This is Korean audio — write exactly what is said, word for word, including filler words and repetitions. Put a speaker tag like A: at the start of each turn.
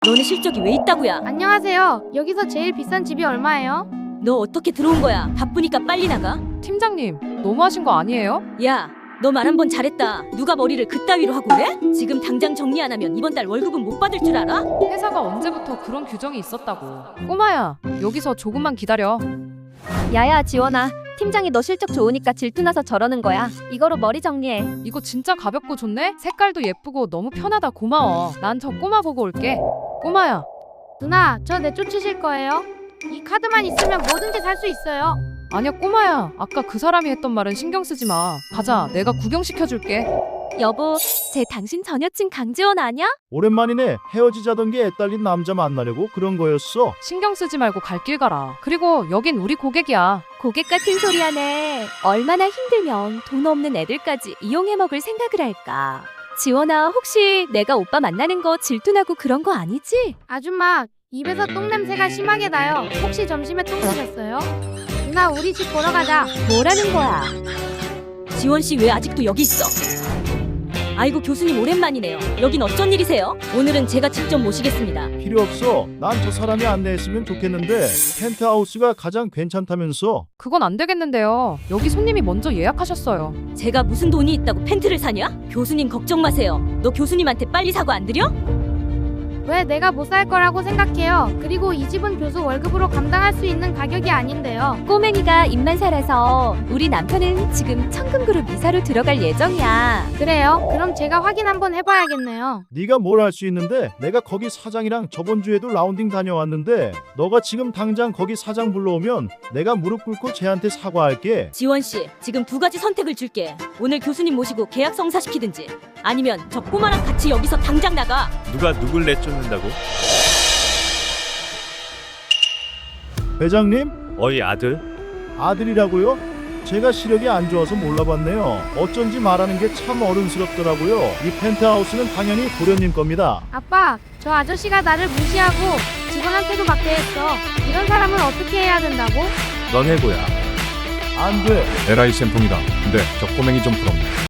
A: 너네 실적이 왜 있다고야?
B: 안녕하세요. 여기서 제일 비싼 집이 얼마예요?
A: 너 어떻게 들어온 거야? 바쁘니까 빨리 나가.
C: 팀장님, 너무하신 거 아니에요?
A: 야, 너 말 한 번 잘했다. 누가 머리를 그따위로 하고 그래? 지금 당장 정리 안 하면 이번 달 월급은 못 받을 줄 알아?
C: 회사가 언제부터 그런 규정이 있었다고. 꼬마야, 여기서 조금만 기다려.
D: 야야 지원아, 팀장이 너 실적 좋으니까 질투나서 저러는 거야. 이거로 머리 정리해.
C: 이거 진짜 가볍고 좋네? 색깔도 예쁘고 너무 편하다. 고마워. 난 저 꼬마 보고 올게. 꼬마야,
B: 누나, 저 내쫓으실 거예요? 이 카드만 있으면 뭐든지 살 수 있어요.
C: 아니야 꼬마야. 아까 그 사람이 했던 말은 신경 쓰지 마. 가자, 내가 구경시켜줄게.
D: 여보, 쟤 당신 전 여친 강지원 아냐?
E: 오랜만이네. 헤어지자던 게 애딸린 남자 만나려고 그런 거였어.
C: 신경 쓰지 말고 갈 길 가라. 그리고 여긴 우리 고객이야.
D: 고객 같은 소리 하네. 얼마나 힘들면 돈 없는 애들까지 이용해 먹을 생각을 할까. 지원아, 혹시 내가 오빠 만나는 거 질투나고 그런 거 아니지?
B: 아줌마, 입에서 똥 냄새가 심하게 나요. 혹시 점심에 똥 드셨어요? 누나, 우리 집 보러 가자.
D: 뭐라는 거야?
A: 지원 씨 왜 아직도 여기 있어? 아이고 교수님 오랜만이네요. 여긴 어쩐 일이세요? 오늘은 제가 직접 모시겠습니다.
E: 필요 없어. 난 저 사람이 안내했으면 좋겠는데 펜트하우스가 가장 괜찮다면서.
C: 그건 안 되겠는데요. 여기 손님이 먼저 예약하셨어요.
A: 제가 무슨 돈이 있다고 펜트를 사냐? 교수님 걱정 마세요. 너 교수님한테 빨리 사과 안 드려?
B: 왜 내가 못 살 거라고 생각해요? 그리고 이 집은 교수 월급으로 감당할 수 있는 가격이 아닌데요.
D: 꼬맹이가 입만 살아서 우리 남편은 지금 천금그룹 이사로 들어갈 예정이야.
B: 그래요? 그럼 제가 확인 한번 해봐야겠네요.
E: 네가 뭘 할 수 있는데. 내가 거기 사장이랑 저번 주에도 라운딩 다녀왔는데 너가 지금 당장 거기 사장 불러오면 내가 무릎 꿇고 쟤한테 사과할게.
A: 지원 씨, 지금 두 가지 선택을 줄게. 오늘 교수님 모시고 계약 성사시키든지 아니면 저 꼬마랑 같이 여기서 당장 나가.
F: 누가 누굴 내쫓는다고?
E: 회장님?
F: 어이 아들?
E: 아들이라고요? 제가 시력이 안 좋아서 몰라봤네요. 어쩐지 말하는 게 참 어른스럽더라고요. 이 펜트하우스는 당연히 도련님 겁니다.
B: 아빠, 저 아저씨가 나를 무시하고 직원한테도 박대했어. 이런 사람은 어떻게 해야 된다고?
F: 넌 해고야.
E: 안 돼.
G: 에라이 쌤통이다. 근데 저 꼬맹이 좀 부럽네.